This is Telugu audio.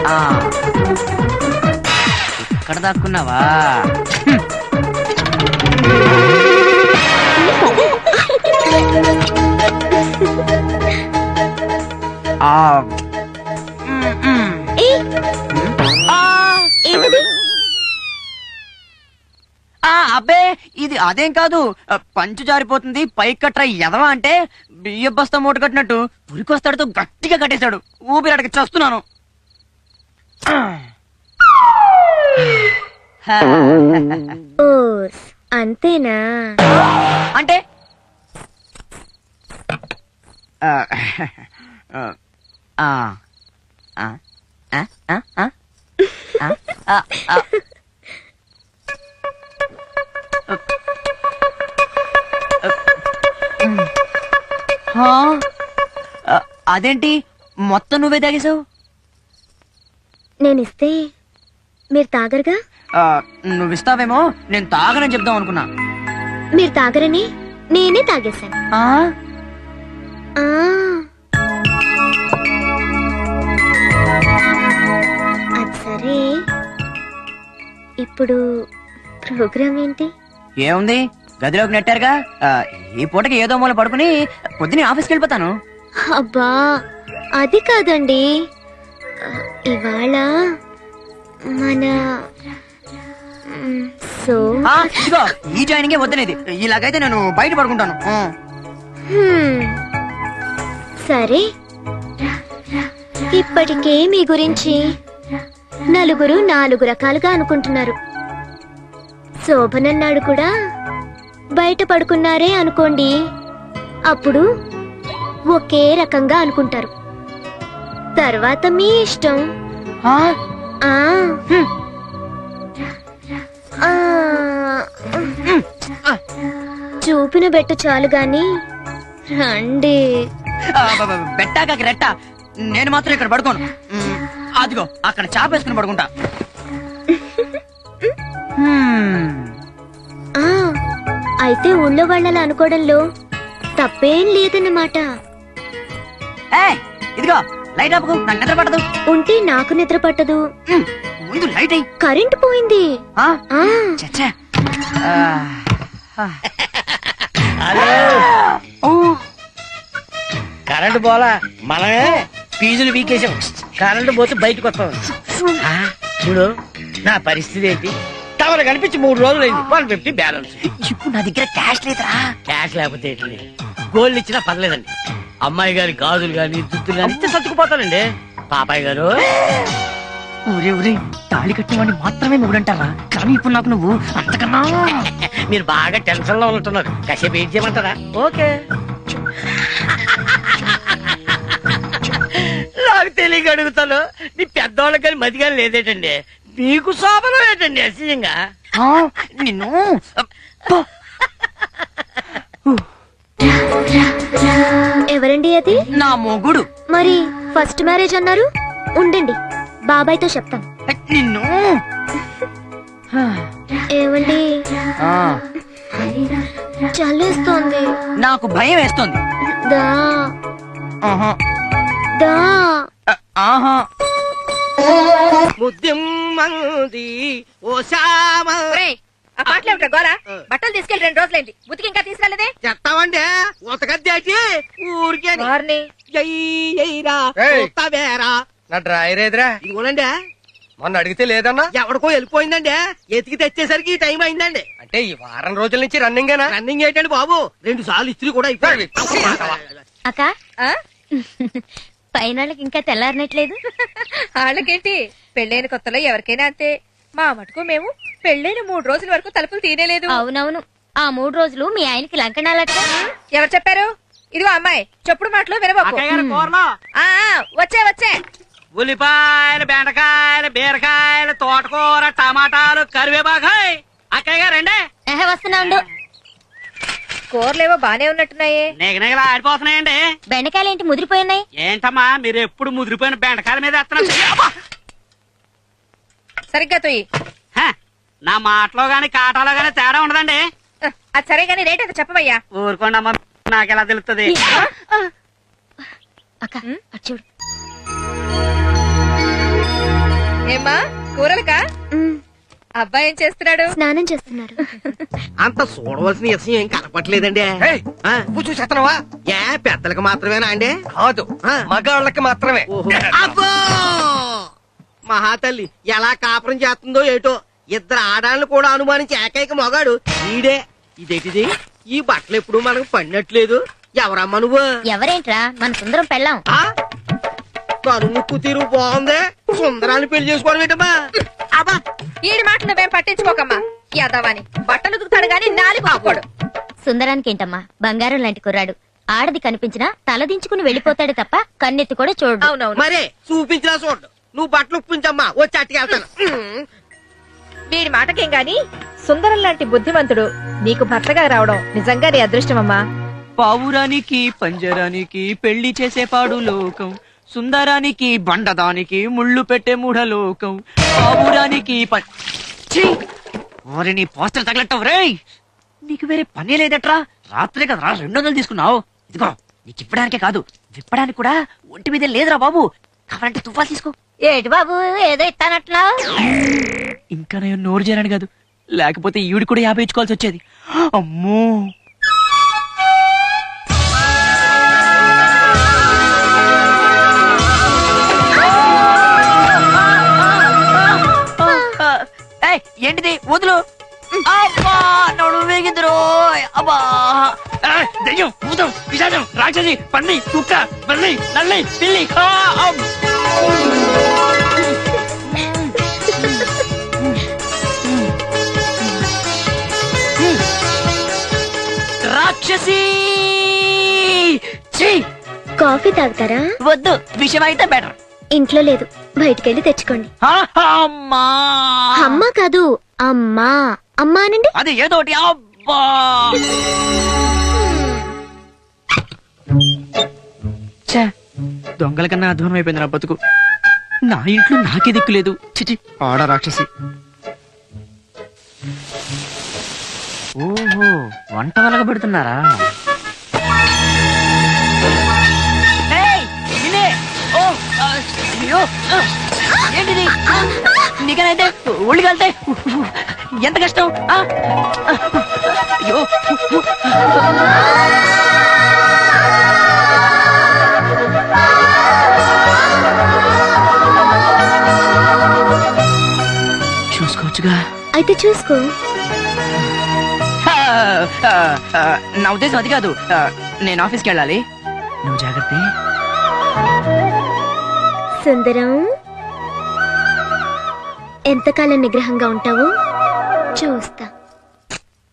ఇక్కడ దాక్కున్నావా? అబ్బే ఇది అదేం కాదు, పంచు జారిపోతుంది పైకి కట్రా ఎదవా అంటే బియ్య బస్తా మూట కట్టినట్టు ఉరికొస్తాడుతో గట్టిగా కట్టేశాడు. ఊపిరాడకి చస్తున్నాను. అంతేనా? అంటే అదేంటి మొత్తం నువ్వే తాగేశావు? నేనిస్తే మీరు తాగరుగా? నువ్విస్తావేమో నేను తాగనని చెప్దాం అనుకున్నా. మీరు తాగరని నేనే తాగేశాను. అది సరే, ఇప్పుడు ప్రోగ్రామ్ ఏంటి? ఏముంది, గదిలోకి నెట్టారుగా. ఈ పూటకి ఏదో మూల పడుకుని పొద్దునే ఆఫీస్కి వెళ్ళిపోతాను. అబ్బా అది కాదండి, ఇవాళ మన ఇదిగో ఈ జాయినింగే వద్దనేది. ఇలాగైతే నేను బయట పడుకుంటాను. సరే, ఇప్పటికే మీ గురించి నలుగురు 4 రకాలుగా అనుకుంటున్నారు. శోభనన్నాడు కూడా బయట పడుకున్నారే అనుకోండి, అప్పుడు ఒకే రకంగా అనుకుంటారు. తర్వాత మీ ఇష్టం. చూపిన బెట్ట చాలు గాని రండి. బెట్టాక రెట్ట, నేను మాత్రం ఇక్కడ పడుకోను. అదిగో అక్కడ చాపేసుకుని పడుకుంటా. అయితే ఊళ్ళో వాళ్ళని అనుకోవడంలో తప్పేం లేదన్నమాట. ఇదిగో లైట్ ఆపుకు, నాకు నిద్ర పట్టదు. ఉంటే నాకు నిద్ర పట్టదు. ముందు లైట్ అయ్యి. కరెంట్ పోయింది. కరెంటు పోలా, మనమే ఫీజులు వీకేసాం. కరెంటు పోతే బయటకు వస్తాం. చూడు నా పరిస్థితి ఏంటి, టవర్ కనిపించి 3 రోజులైంది. 150 బ్యాలెన్స్. ఇప్పుడు నా దగ్గర క్యాష్ లేదురా. క్యాష్ లేకపోతే ఏంటి, గోల్డ్ ఇచ్చినా పర్లేదండి. అమ్మాయి గారి గాజులు గాని దుద్దులు గాని ఇస్తే సర్దుకుపోతానండి. పాపాయ్ గారు, ఊరే ఊరే తాళి కట్టినవాడిని మాత్రమే మొగుడంటారా? కానీ ఇప్పుడు నాకు నువ్వు అంతకన్నా. మీరు బాగా టెన్షన్ లో ఉంటున్నారు, కాసేపు ఏం చేయమంటారా? ఓకే. నాకు తెలియక అడుగుతాను, నీ పెద్దవాళ్ళకి కానీ మతి కానీ లేదేటండి, నీకు శోభనం ఏంటండి అసహ్యంగా? నిన్ను ఎవరండి అది? నా మొగుడు. మరి ఫస్ట్ మ్యారేజ్ అన్నారు, ఉండండి బాబాయ్తో చెప్తాను. నిన్ను ఏమండి, చల్లేస్తోంది. నాకు భయం వేస్తోంది. దా దా ముద్దిమ్మంది ఓ శ్యామ. ఆ పాటలు ఏమిటా గోరా? బట్టలు తీసుకెళ్లి 2 రోజులైంది, బుద్ధికి ఇంకా తీసుకెళ్ళదే? చెప్తామండి ఉతకద్దేసి ఊరికే నా డ్రాయర్ ఏదిరా? ఇదిగోనండి. మొన్న అడిగితే లేదన్నా, ఎవడికో వెళ్ళిపోయిందండి. ఎతికి తెచ్చేసరికి టైం అయిందండి. అంటే ఈ వారం రోజుల నుంచి రన్నింగేనా? రన్నింగ్ ఏంటండి బాబు, 2 సార్లు ఇస్త్రీ కూడా అయిపోయింది. అక్క, పైన ఇంకా తెల్లారనట్లేదు. వాళ్ళకేంటి, పెళ్ళైన కొత్తలో ఎవరికైనా అంతే. మా మటుకు మేము పెళ్ళైన 3 రోజుల వరకు తలుపులు తీనేలేదు. అవునవును, ఆ 3 రోజులు మీ ఆయనకి లంకణాలట. ఎవరు చెప్పారు? ఇదిగో అమ్మాయి, చెప్పుడు మాటలు వినబాకు. వచ్చే వచ్చే ఉల్లిపాయలు, బెండకాయలు, బీరకాయలు, తోటకూర, టమాటాలు, కరివేపాకాయ్. అక్కయ్య గారండి. వస్తున్నా ఉండు. కూరలేవో బానే ఉన్నట్టున్నాయే. నిగనిగలా ఆడిపోతున్నాయండి. బెండకాయలు ఏంటి ముదిరిపోయినాయి? ఏంటమ్మా మీరు ఎప్పుడు ముదిరిపోయిన బెండకాయల మీద వేస్తున్నారు? సరిగ్గా తొయ్యి. నా మాటలో గాని కాటాలో గాని తేడా ఉండదండి. అది సరే గాని రేట్ ఎంత చెప్పమయ్యా. ఊరుకోండి అమ్మా, నాకెలా తెలుస్తుంది? అక్క చూడు. ఏమ్మా కూరలకా మ్, అబ్బాయి ఏం చేస్తున్నాడు? స్నానం చేస్తున్నారు. అంత చూడవలసిన విషయం ఏం కనపట్లేదండి. ఏయ్, ఆ, నువ్వు చూసేస్తున్నావా? ఏ పెద్దలకు మాత్రమేనా అండి? కాదు ఆ. మగాళ్ళకి మాత్రమే. అబ్బో మహాతల్లి ఎలా కాపురం చేస్తుందో ఏటో. ఇద్దరు ఆడాలను కూడా అనుమానించి ఏకైక మగాడు ఈడే. ఇదేటిది? ఈ బట్టలు ఎప్పుడు మనకు పడినట్లేదు. ఎవరమ్మా నువ్వు? ఎవరేంట్రా మన సుందరం పెళ్ళాం. ఆ? కనుముక్కు తీరు బాగుంది. సుందరాన్ని పెళ్లి చేసుకోవడం ఏంటమ్మా? అబ్బా ఈడి మాటలు నువ్వేం పట్టించుకోకమ్మా. యాదవాని బట్టలు ఉతుకుతాడు గాని నాలుగు ఆకోడు. సుందరానికి ఏంటమ్మా బంగారం లాంటి కుర్రాడు. ఆడది కనిపించినా తలదించుకుని వెళ్ళిపోతాడు తప్ప కన్నెత్తి కూడా చూడు. అవునవును. మరే చూపించినా చూడు. నువ్వు బట్టలు ఉప్పించమ్మా, వచ్చి అట్టుకెళ్తాను. వీడి మాటకేం గాని సుందరం లాంటి బుద్ధిమంతుడు నీకు భర్తగా రావడం నిజంగా నీ అదృష్టమమ్మా. పావురానికి పంజరానికి పెళ్లి చేసే పాడు లోకం, సుందరానికి బండదానికి ముళ్ళు పెట్టే మూఢలోకం, పావురానికి ఓరి నీ పోస్టర్ తగలట్టవు రేయ్. నీకు వేరే పని లేదట్రా. రాత్రే కదరా 200 తీసుకున్నావు. ఇదిగో నీకు ఇప్పడానికే కాదు విప్పడానికి కూడా ఒంటి మీద లేదురా బాబు. కావాలంటే తుఫా తీసుకో. ఏటి బాబు ఏదో ఇస్తానట్లా. ఇంకా నేను నోరు చేరాను కాదు, లేకపోతే ఈవిడ కూడా 50 ఇచ్చుకోవాల్సి వచ్చేది. అమ్మో ఏయ్, ఏంటిది వదులు. అబ్బా నడు వేగిద్దరు. అబ్బా ఏయ్, దెయ్యం, భూతం, పిశాచం, రాక్షసి, పంది, కుక్క, బల్లి, నల్లి, పిల్లి. రాక్షసి. ఛీ, కాఫీ తాగుతారా? వద్దు, విషయం అయితే బెటర్. ఇంట్లో లేదు, బయటికెళ్ళి తెచ్చుకోండి. అమ్మా అమ్మ కాదు అమ్మా. అమ్మా అనండి. అది ఏదోటి. అబ్బా ఛే, దొంగల కన్నా అధ్వానం అయిపోయింది నా బతుకు. నా ఇంట్లో నాకే దిక్కు లేదు. చిచి ఆడ రాక్షసి. ఓహో, వంట వలగ పెడుతున్నారా? ఏయ్, నిన్నే. ఓ, అయ్యో, ఏంటిది? నీకనైతే ఒళ్ళు కలితే ఎంత కష్టం. అయ్యో చూసుకోవచ్చుగా. అయితే చూసుకో. నా ఉద్దేశం అది కాదు. నేను ఆఫీస్కి వెళ్ళాలి. నువ్వు జాగ్రత్త. సుందరం ఎంతకాలం నిగ్రహంగా ఉంటావు?